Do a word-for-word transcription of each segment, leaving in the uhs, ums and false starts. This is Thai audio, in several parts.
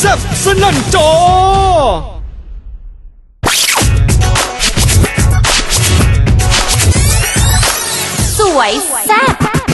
ซ่บสนั่นจอสวยแซ่บ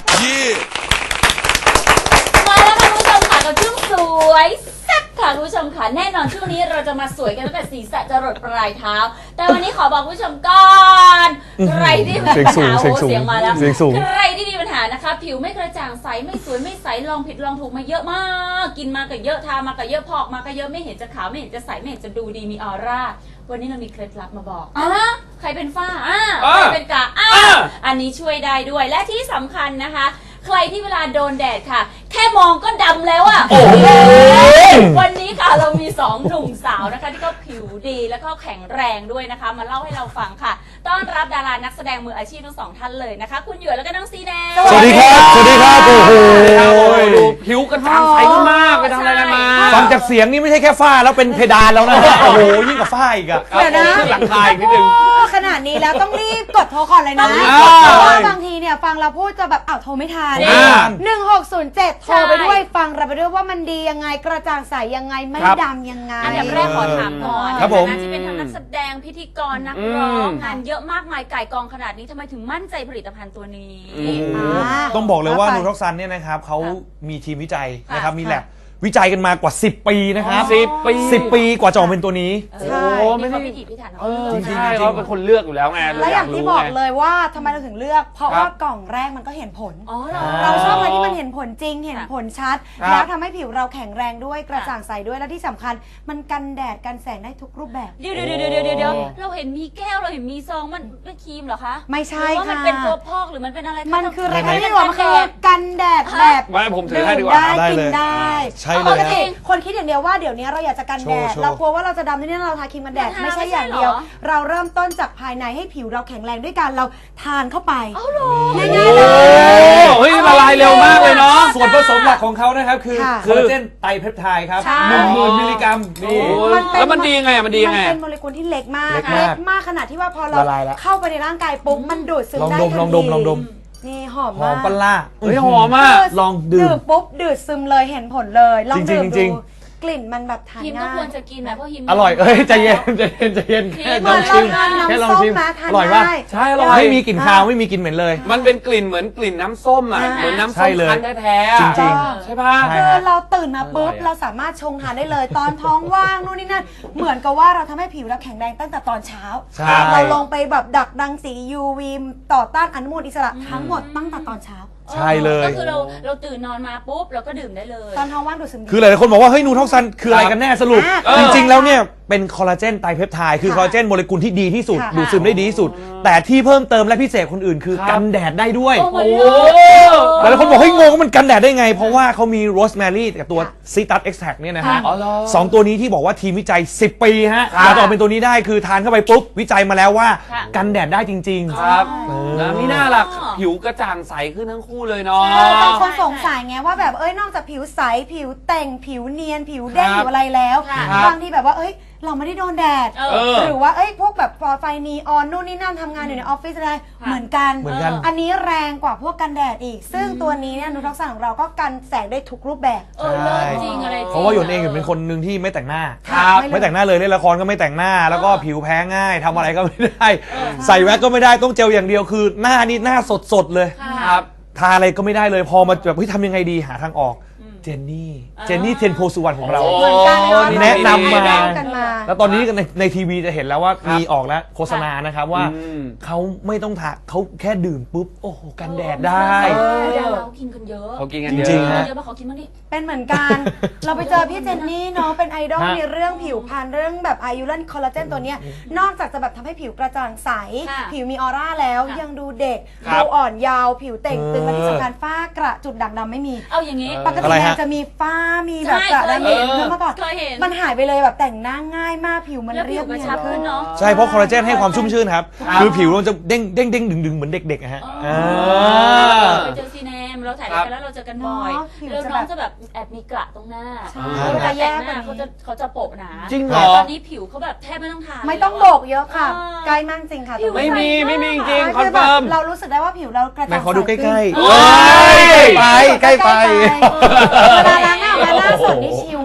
มาแล้วค่ะคุณผู้ชมค่ะกับช่วงสวยแซ่บค่ะคุณผู้ชมค่ะแน่นอนช่วงนี้เราจะมาสวยกันตั้งแต่ศีรษะจรดปลายเท้าแต่วันนี้ขอบอกคุณผู้ชมก่อนใครที่มีปัญหาโอ้เสียงมาแล้วใครที่มีปัญหานะคะผิวไม่กระจ่างใสไม่สวยไม่ใสลองผิดลองถูกมาเยอะมากกินมาก็เยอะทามาก็เยอะพอกมาก็เยอะไม่เห็นจะขาวไม่เห็นจะใสไม่เห็นจะดูดีมีออร่าวันนี้เรามีเคล็ดลับมาบอกอ่ะใครเป็นฝ้าอ่ะใครเป็นกระอ่ะอันนี้ช่วยได้ด้วยและที่สำคัญนะคะใครที่เวลาโดนแดดค่ะแค่มองก็ดำแล้วอ่ะวันนี้ค่ะเรามีสองหนุ่มสาวนะคะที่ก็ผิวดีแล้วก็แข็งแรงด้วยนะคะมาเล่าให้เราฟังค่ะต้อนรับดารานักแสดงมืออาชีพทั้งสองท่านเลยนะคะคุณหยวนแล้วก็น้องซีแนนสวัสดีครับสวัสดีครับโอ้โหดูผิวกระจ่างใสขึ้นมากไปทำอะไรกันมาฟังจากเสียงนี่ไม่ใช่แค่ฝ้าแล้วเป็นเพดานแล้วนะโอ้โหยิ่งกว่าฝ้าอีกอะเดี๋ยวนะหลังคาอีกนิดนึงขนาดนี้แล้วต้องรีบกดโทรก่อนเลยนะเพราะว่าบางทีเนี่ยฟังเราพูดจะแบบอ้าวโทรไม่ทันหนึ่งหกศูนย์เจ็ดโทรไปด้วยฟังเราไปด้วยว่ามันดียังไงกระจ่างใสยังไงไม่ดำยังไงอันดับแรกขอถามก่อนครับผมที่เป็นทั้งนักแสดงพิธีกรนักร้องงานเยอะมากมายไก่กองขนาดนี้ทำไมถึงมั่นใจผลิตภัณฑ์ตัวนี้ต้องบอกเลยว่านูทอกซันเนี่ยนะครับเขามีทีมวิจัยนะครับมีแลบวิจัยกันมากว่าสิบปีนะครับสิบปีสิบปีกว่าจะออกเป็นตัวนี้ใช่ไม่ได้พิถีพิถันจริงๆเขาเป็นคนเลือกอยู่แล้วไงและอย่างที่บอกเลยว่าทำไมเราถึงเลือกเพราะว่ากล่องแรกมันก็เห็นผลเราชอบอะไรที่มันเห็นผลจริงเห็นผลชัดแล้วทำให้ผิวเราแข็งแรงด้วยกระจ่างใสด้วยและที่สำคัญมันกันแดดกันแสงได้ทุกรูปแบบเดี๋ยวเดี๋ยวเดี๋ยวเดี๋ยวเราเห็นมีแก้วเราเห็นมีซองมันเป็นครีมเหรอคะไม่ใช่ค่ะมันเป็นตัวพอกหรือมันเป็นอะไรมันคืออะไรไม่รู้มันคือกันแดดแบบไม่ผมถือให้ดีกว่าได้กินได้ใช่เลยคนคิดอย่างเดียวว่าเดี๋ยวนี้เราอยากจะกันแดดเรากลัวว่าเราจะดำที่นี่เราทาครีมกันแดดไม่ใช่อย่างเดียวเราเริ่มต้นจากภายในให้ผิวเราแข็งแรงด้วยการเราทานเข้าไปง่ายๆเลยเฮ้ยละลายเร็วมากเลยเนาะส่วนผสมหลักของเขานะครับคือคอลลาเจนไตรเพปไทด์ครับหนึ่งหมื่นมิลลิกรัมนี่แล้วมันดีไงมันดีไงมันเป็นโมเลกุลที่เล็กมากเล็กมากขนาดที่ว่าพอเราเข้าไปในร่างกายปุ๊บมันดูดซึมได้ทันทีลองดมลองดมนี่หอมมากหอมปลาเฮ้ยหอมมากลองดื่มปุ๊บดูดซึมเลยเห็นผลเลยลองดื่มดูกลิ่นมันแบบทานง่ายฮิมก็ควรจะกินนะเพราะฮิมอร่อยเอ้ยใจเย็นใจเย็นใจเย็นแค่ลองชิมแค่ลองชิมอร่อยป่ะใช่อร่อยไม่มีกลิ่นคาวไม่มีกลิ่นเหม็นเลยมันเป็นกลิ่นเหมือนกลิ่นน้ำส้มอ่ะเหมือนน้ำส้มคั้นแท้ๆจริงๆใช่ป่ะคือเราตื่นมาปุ๊บเราสามารถชงทานได้เลยตอนท้องว่างนู่นนี่นั่นเหมือนกับว่าเราทำให้ผิวเราแข็งแรงตั้งแต่ตอนเช้าเราลงไปแบบดักรังสี ยู วี ต่อต้านอนุมูลอิสระทั้งหมดตั้งแต่ตอนเช้าใช่เลยก็คือเราเราตื่นนอนมาปุ๊บเราก็ดื่มได้เลยตอนท้องว่างดูดซึมคือหลายๆคนบอกว่าเฮ้ยนูทอกซันคืออะไรกันแน่สรุปจริงๆแล้วเนี่ยเป็นคอลลาเจนไตรเพปไทด์คือคอลลาเจนโมเลกุลที่ดีที่สุดดูดซึมได้ดีที่สุดแต่ที่เพิ่มเติมและพิเศษคนอื่นคือกันแดดได้ด้วยโอ้หลายๆคนบอกเฮ้ยงงว่ามันกันแดดได้ไงเพราะว่าเขามีโรสแมรี่กับตัวซิตัสเอ็กซ์แทรเนี่ยนะฮะสองตัวนี้ที่บอกว่าทีมวิจัยสิบปีฮะแล้วต่อเป็นตัวนี้ได้คือทานเข้าไปปุ๊บวิจัยมาแล้วว่ากันแดดได้จริงๆครับนะนี่น่ารักผิวกระจ่างใสขึ้นทั้งคู่เลยเนาะบางคนสงสัยไงว่าแบบเอ้ยนอกจากผิวใสผิวแต่งผิวเนียนผิวเด้งผิวอะไรแล้วบางทีแบบว่าเอ้ยเราไม่ได้โดนแดดหรือว่าเอ้ยพวกแบบไฟนีออนนู่นนี่นั่นทำงานอยู่ในออฟฟิศอะไรเหมือนกันอันนี้แรงกว่าพวกกันแดดอีกซึ่งตัวนี้เนี่ยนูทอกซันของเราก็กันแสงได้ทุกรูปแบบเออเลิศจริงอะไรจริงเพราะว่าหยวนเองเป็นคนหนึ่งที่ไม่แต่งหน้าไม่แต่งหน้าเลยเล่นละครก็ไม่แต่งหน้าแล้วก็ผิวแพ้ง่ายทำอะไรก็ไม่ได้ใส่แว็กก็ไม่ได้ต้องเจลอย่างเดียวคือหน้านี่หน้าสดๆเลยครับทาอะไรก็ไม่ได้เลยพอมาแบบเฮ้ยทำยังไงดีหาทางออกเจนนี่เจนนี่เทนโพสุวรรณของเราแนะนำมาแล้วตอนนี้ในในทีวีจะเห็นแล้วว่ามีออกแล้วโฆษณานะครับว่าเขาไม่ต้องทาเขาแค่ดื่มปุ๊บโอ้โหกันแดดได้เรากินกันเยอะเขากินกันเยอะจริงๆเยอะมาเขากินบ้างดิเป็นเหมือนกันเราไปเจอพี่เจนนี่เนาะเป็นไอดอลในเรื่องผิวพรรณเรื่องแบบอายุรันคอลลาเจนตัวเนี้ยนอกจากจะแบบทำให้ผิวกระจ่างใสผิวมีออร่าแล้วยังดูเด็กดูอ่อนยาวผิวเต่งตึงและที่สำคัญฝ้ากระจุดด่างดำไม่มีเอาอย่างนี้ปกติจะมีฝ้ามีแบบกระดำเห็นเมื่อก่อนมันหายไปเลยแบบแต่งหน้าง่ายมากผิวมันเรียบเนียนขึ้นเนาะใช่เพราะคอลลาเจนให้ความชุ่มชื่นครับคือผิวเราจะเด้งเด้งเด้งดึงดึงเหมือนเด็กๆอะฮะไปเจอซีแนมเราถ่ายรายการแล้วเราเจอกันบ่อยแล้วน้องจะแบบแอบมีกระตรงหน้าเวลาแต่งหน้าเขาจะเขาจะโปะหนาจริงเหรอตอนนี้ผิวเขาแบบแทบไม่ต้องทาไม่ต้องโบกเยอะค่ะใกล้มากจริงค่ะไม่มีไม่มีจริงคอนเฟิร์มเรารู้สึกได้ว่าผิวเรากระจ่างใสขอดูใกล้ๆไปใกล้ไปเวลาล้างหน้าหน้าสดนี่ชิลมาก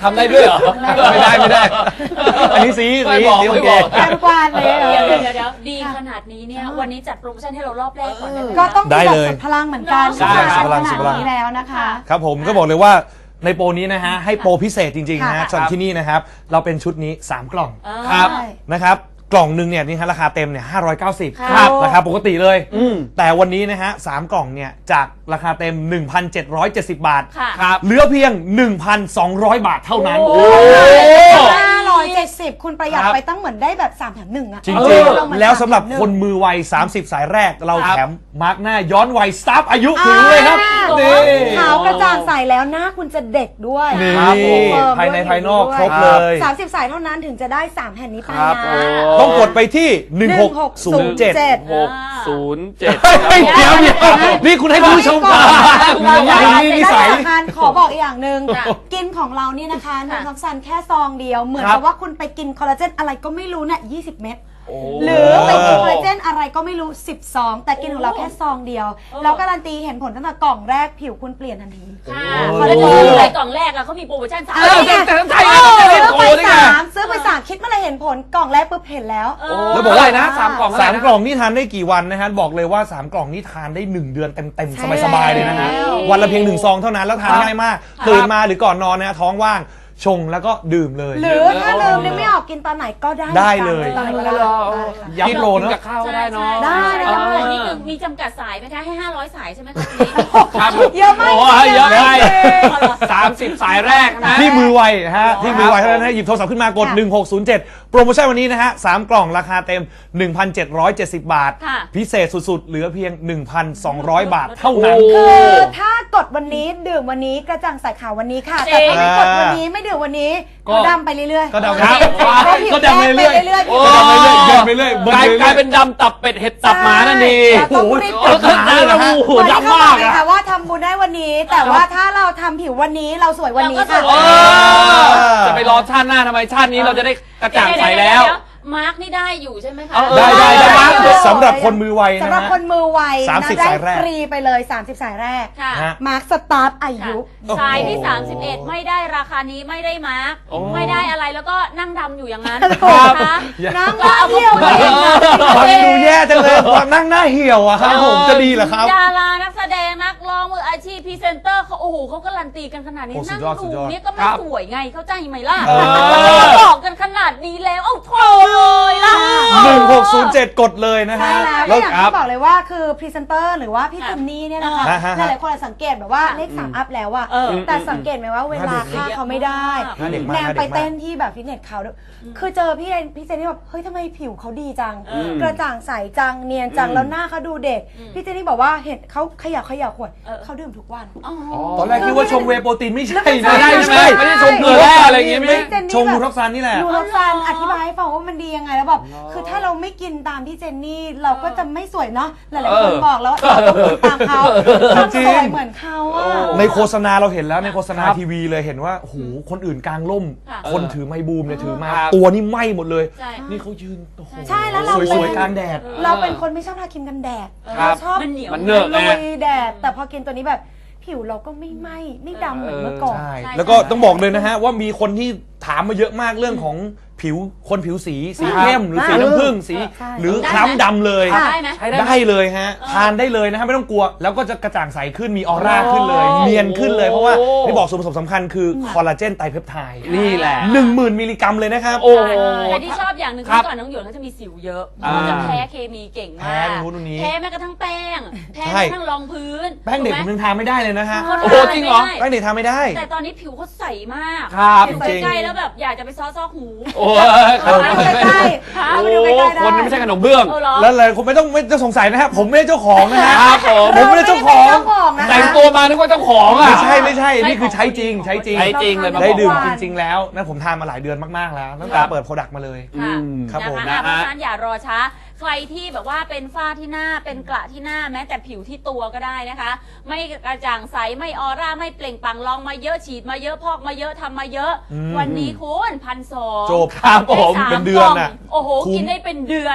ทำได้ด้วยเหรอไม่ได้ไม่ได้ อันนี้สีสีไม่บอกสีโอไม่เคบอกแกนกวาดเลยเดี๋ยวเดี๋ยวเดี๋ยวเดี๋ยวดีขนาดนี้เนี่ยวันนี้จัดโปรโมชั่นให้เรารอบแรกก่อนได้ไหมก็ต้องได้จัดเลยสุดพลังเหมือนกันใช่ครับขพลังนาสุดดพลังนี้แล้วนะคะครับผมก็บอกเลยว่าในโปรนี้นะฮะให้โปรพิเศษจริงๆนะฮะค่ะสำหรับที่นี่นะครับเราเป็นชุดนี้สามกล่องครับใช่นะครับกล่องหนึ่งเนี่ยนี่ฮะราคาเต็มเนี่ยห้าร้อยเก้าสิบครับราคาปกติเลยอืมแต่วันนี้นะฮะสามกล่องเนี่ยจากราคาเต็ม หนึ่งพันเจ็ดร้อยเจ็ดสิบ บาทค่ะครับเหลือเพียง หนึ่งพันสองร้อย บาทเท่านั้นโอ้ห้าร้อยเจ็ดสิบคุณประหยัดครับไปตั้งเหมือนได้แบบสามแถมหนึ่งอะจริงเออๆ แล้วสำหรับคนมือไวสามสิบ สายแรกเราครับแถมมาร์กหน้าย้อนวัยสตาร์ฟอายุถึงเลยครับอ่านี่ขาวกระจ่างใสแล้วหน้าคุณจะเด็กด้วยนี่ครับผมภายในภายนอกครบเลยสามสิบสายเท่านั้นถึงจะได้สามแผ่นนี้ไปครับนะโอ้ต้องกดไปที่ หนึ่งหกศูนย์เจ็ดหกศูนย์เจ็ดเฮ้ยเดี๋ยวเดี๋ยวนี่คุณให้คุณผู้ชมก่อนได้คุณนี่นิสัยได้ทานขอบอกอีกอย่างหนึ่งค่ะกินของเรานี่นะคะค่ะน้ำซันแค่ซองเดียว เหมือนครับกับว่าคุณไปกินคอลลาเจนอะไรก็ไม่รู้เนี่ยยี่สิบเม็ดโอ้หรือไปกินคอลลาเจนอะไรก็ไม่รู้สิบซอง แต่กินของเราแค่ซองเดียว เราการันตีเห็นผลตั้งแต่กล่องแรกผิวคุณเปลี่ยนทันทีค่ะโอ้คอลลาเจนอะไรกล่องแรกอะเขามีโปรโมชั่นสามเออแต่แต่ใช่ไงซื้ไม่อได้โทไปรได้ไงสามซื้อไปสามคิดเมื่อไหรเห็นผลกล่องแรกปุ๊บเห็นแล้วเออแล้วบอกว่าเท่ไหร่นะสามกล่องเท่ไหสาร่มนะกล่องนี่ทานได้กี่วันนะฮะบอกเลยว่าสามกล่องนี่ทานได้หนึ่งเดือนเต็มใช่ๆสบายๆเลยนะฮะแล้ววันละเพียงหนึ่งซองเท่านั้นแล้วทานครับง่ายมากตื่นมาหรือก่อนนอนนะฮะท้องว่างชงแล้วก็ดื่มเลยหรือถ้าลืมนึกไม่ออกกินตอนไหนก็ได้ได้เลยตอนไหนก็ได้ได้ค่ะย้ำโปรเนอะกับข้าวได้เนาะใช่ได้ใช่ได้แต่นี่คือมีจำกัดสายไหมคะให้ห้าร้อยสายใช่ไหมคะทีนี้ครับเยอะมากโอ้ยเยอะไปจริงสามสิบสายแรกนะที่มือไวนะฮะที่มือไวเท่านั้นนะหยิบโทรศัพท์ขึ้นมากดค่ะหนึ่งหกศูนย์เจ็ดโปรโมชั่นวันนี้นะฮะสามกล่องราคาเต็ม หนึ่งพันเจ็ดร้อยเจ็ดสิบ บาทค่ะพิเศษสุดๆ เหลือเพียง หนึ่งพันสองร้อย บาทเท่านั้นโอ้คือถ้ากดวันนี้ดื่มวันนี้กระจ่างใสขาววันนี้ค่ะ แต่ถ้าไม่กดวันนี้ไม่ดื่มวันนี้ก็ก็ดำไปเรื่อยๆก็ดำครับก็ผิวก็ดำไปเรื่อยแดงไปเรื่อยๆโอ้เดินไปเรื่อยเดินไปเรื่อยเบิร์กลายนไปเรื่อยกลายเป็นดำตับเป็ดเห็ดตับหมานั่นดีแต่ต้องรีบโอ้โหโอ้โหดำมากเลยอะค่ะว่าทำบุญได้วันนี้ แต่ว่าถ้าเราทำผิววันนี้เราสวยวันนี้ค่ะเออจะไปรอชาติหน้าทำไมชาตินี้เราจะได้กระจ่างใสแล้วเดี๋ยๆมาร์กนี่ได้อยู่ใช่ไหมคะเออได้ได้ได้ได้เลยสำหรับคนมือไวนะสำหรับฮะคนมือไวสามนะสิบได้สายแรกฟรีไปเลย สามสิบ สายแรกค่ะฮะมาร์คสตาร์ทอายุสายที่ สามสิบเอ็ด ไม่ได้ราคานี้ไม่ได้มาร์กโอ้ไม่ได้อะไรแล้วก็นั่งดำอยู่อย่างนั้นครับนะคะน้ำก็เอาเที่ยวไปฟังดูแย่จังเลยตอนนั่งหน้าเหี่ยวอะครับผมจะดีเหรอครับดารานักแสดงนักร้องมืออาชีพพรีเซนเตอร์เขาโอ้โหเขาการันตีกันขนาดนี้โอ้สุนั่ดงยอดสุดูดยอดเนี่ยก็ไม่ครับสวยไงเข้าใจไหมล่ะเออบอกกันขนาดนี้แล้วเอ้าโถเลยล่ะหนึ่งหกศูนย์เจ็ดกดเลยนะใช่ฮะแล้วก็อย่างที่บอกเลยว่าคือพรีเซนเตอร์หรือว่าพี่ค่ะจินนี่เนี่ยนะคะอ่าฮะหลายๆคนอาจสังเกตแบบว่าเลขสามอัพแล้วอะเออแต่สังเกตไหมว่าเวลาค่าเขาไม่ได้หน้าเด็กมากแนนหน้าไปเด็กมากเต้นที่แบบฟิตเนสเขาด้วยคือเจอพี่เรนพี่เจนนี่แบบเฮ้ยทำไมผิวเขาดีจังเออกระจ่างใสจังเนียนจังแล้วหน้าเขาดูเด็กอืมพี่เจนนี่บอกว่าเห็นเขาขยับขยับขวดเออเขาดื่มทุกวันอ๋อตอนแรกคิดว่าชงเวย์โปรตีนไม่ใช่ไม่นะไม่ได้ใช่ไหมไม่ได้ชมเกลือแร่อะไรอย่างงี้ไม่ได้เจนนี่ชงแบบมูท็อกซานนี่แหละดูรสซานอธิบายให้ฟังว่ามันดียังไงแล้วแบบคือถ้าเราไม่กินตามที่เจนนี่เราก็จะไม่สวยเนาะหลายๆคนเออบอกแล้วเราต้องกินตามเขาต้องจริงสวยเหมือนเขาอะในโฆษณาเราเห็นแล้วในโฆษณาครับทีวีเลยเห็นว่าโอ้โหคนอื่นกลางร่มค่ะคนถือไม้บูมเนี่ยถือมาครับตัวนี่ไหม้หมดเลยใช่นี่เขายืนโอ้โหใช่แล้วเราสวยๆกลางแดดเราเป็นคนไม่ชอบทาครีมกันแดดครับเราชอบมันเหนียวมันเหนอะลุไงยแดด แต่พอกินตัวนี้แบบผิวเราก็ไม่ไหม้ไม่ดำเหมือนเมื่อก่อนใช่ใช่แล้วก็ต้องบอกเลยนะฮะว่ามีคนที่ถามมาเยอะมากเรื่องของผิวคนผิวสีสีเข้มหรือสีน้ำผึ้งสีใช่หรือได้ไหมคล้ำดำเลยได้ไหมใช้ได้ไหมได้เลยฮะทานได้เลยนะฮะไม่ต้องกลัว แล้วก็จะกระจ่างใสขึ้นมีออร่าขึ้นเลย เนียนขึ้นเลยเพราะว่าโอ้ที่บอกส่วนผสมสำคัญคือคอลลาเจนไตรเพปไทด์นี่แหละหนึ่งหมื่นมิลลิกรัมเลยนะครับโอ้ใช่แต่ที่ชอบอย่างหนึ่งครับคือก่อนน้องหยวนเขาจะมีสิวเยอะอ่าเขาจะแพ้เคมีเก่งแพ้มากตรงนู้นตรงนี้แพ้แม้กระทั่งแป้ง แพ้ใช่แม้กระทั่งรองพื้นแป้งเด็กผมยังทานไม่ได้เลยนะฮะเขาโอ้ทาโหจริงเหรอไม่ได้แป้งเด็กทานไม่ได้แต่ตอนนี้ผิวเขาใสมากครับเห็นจริงใกล้ๆแล้วแบบอยากจะไปซ้อซอกหูโอ้ยเอามาดูใกล้ๆค่ะเอาโอ้มาดูใกล้ๆได้คนนี้ไม่ใช่ขนมเบื้องเออเหรอแล้วเลยคุณไม่ต้องไม่ต้องสงสัยนะครับผมไม่ได้เจ้าของนะฮะครับผมผมไม่ได้เจ้าของเจ้าของนะคะแต่งตัวมานึกว่าเจ้าของอ่ะไม่ใช่ไม่ใช่นี่คือใช้จริงใช้จริงใช้จริงเลยมาได้บอกดื่มว่าจริง ๆ แล้วนะผมทานมาหลายเดือนมากๆแล้วตั้งคแต่รับเปิดโปรดักต์มาเลยค่ะอืมครับผมนะนะคะฮะเพราะฉะนั้นอย่ารอช้า ใครที่แบบว่าเป็นฝ้าที่หน้าเป็นกระที่หน้าแม้แต่ผิวที่ตัวก็ได้นะคะ ไม่กระจ่างใสไม่ออร่าไม่เปล่งปลั่งลองมาเยอะฉีดมาเยอะพอกมาเยอะทำมาเยอะอืมวันนี้คุณพันสองจบครับผมได้สาเป็นเดือนน่ะกล่งโอ้โหคุ้มกินได้เป็นเดือน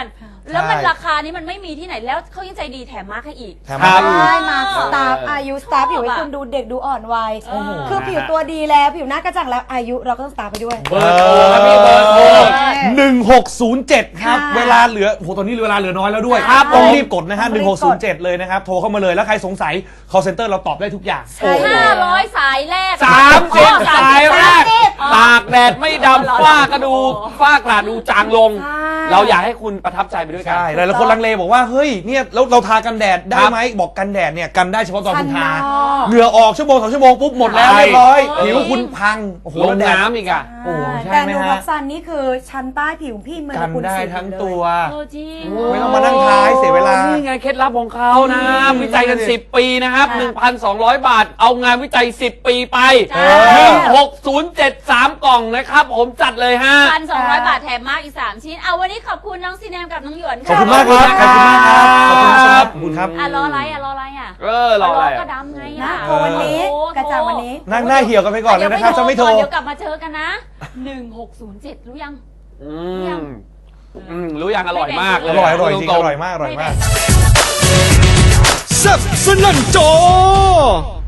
แล้วมันราคานี้มันไม่มีที่ไหนแล้วเขายังใจดีแถมมาร์คให้อีกแถมมาใช่มาสตาร์ฟเออออายุสตาร์ฟผิวให้คุณดูเด็กดูอ่อนวัยโอ้โหคือผิวตัวดีแล้วผิวหน้ากระจ่างแล้วอายุเราก็ต้องสตาร์ฟไปด้วยเบอร์โทรครับพี่เบอร์โทรหนึ่งหกศูนย์เจ็ดครับค่ะเวลาเหลือโอ้โหตอนนี้เวลาเหลือน้อยแล้วด้วยครับต้องผมรีบกดนะฮะต้หนึ่องงรีหบกกศูดนย์เจ็ดเลยนะครับ โทรเข้ามาเลยแล้วใครสงสัย call center เราตอบได้ทุกอย่างใช่ห้าร้อยสายแรกสามสิบอ๋อสายแรกสามสิบตากแดดไม่ดำฝ้ากระดูฝ้ากระดูจางลงใช่เราอยากให้คุณประทับใจไปด้วยกันใช่หลายๆคนลังเลบอกว่าเฮ้ยเนี่ยแล้วเราทากันแดดได้ครับไหมบอกกันแดดเนี่ยกันได้เฉพาะตอนคุณทาข้างนอกเหงื่อออกชั่วโมงสองชั่วโมงปุ๊บหมดแล้วใช่เรียบร้อยเออผิวคุณพังโอ้โหลงแดดน้ำอีกอ่ะโอ้ใช่แต่ไหมนูฮะร็อกซันนี่คือชั้นใต้ผิวพี่เหมือนกันคุณได้สีทั้งเลยตัวโอ้จริงไม่ต้องมานั่งทาให้เสียเวลานี่ไงเคล็ดลับของเขานะอืมวิจัยกัน สิบ ปีนะครับค่ะหนึ่งพันสองร้อย บาท เอางานวิจัย สิบ ปีไปจ้าหนึ่งหกศูนย์เจ็ดสาม กล่องนะครับ ผมจัดเลยฮะพันสองร้อยบาทแถมมาร์คอีกสามชิ้น เอาวันนี้ขอบคุณน้องซีแนมกับน้องหยวนขอบคุณมากครับ ขอบคุณมากครับ ขอบคุณครับขอบคุณครับอ่ะรออะไรอ่ะรออะไรอ่ะเออรออะไรก็อะดำไงนะอ่ะโทรวันนี้โอ้กระจ่างวันนี้นั่งหน้าเหี่ยวกันไปก่อนเลยนะครับจะไม่โทรเดี๋ยวกลับมาเจอกันนะหนึ่งหกศูนย์เจ็ดรู้ยังอืมอืมรู้ยังอร่อยมากเลอย ร่อยอร่อยจริงตอๆร่อยมากอร่อยมากไม่แบ่งแซ่บสนั่นจอ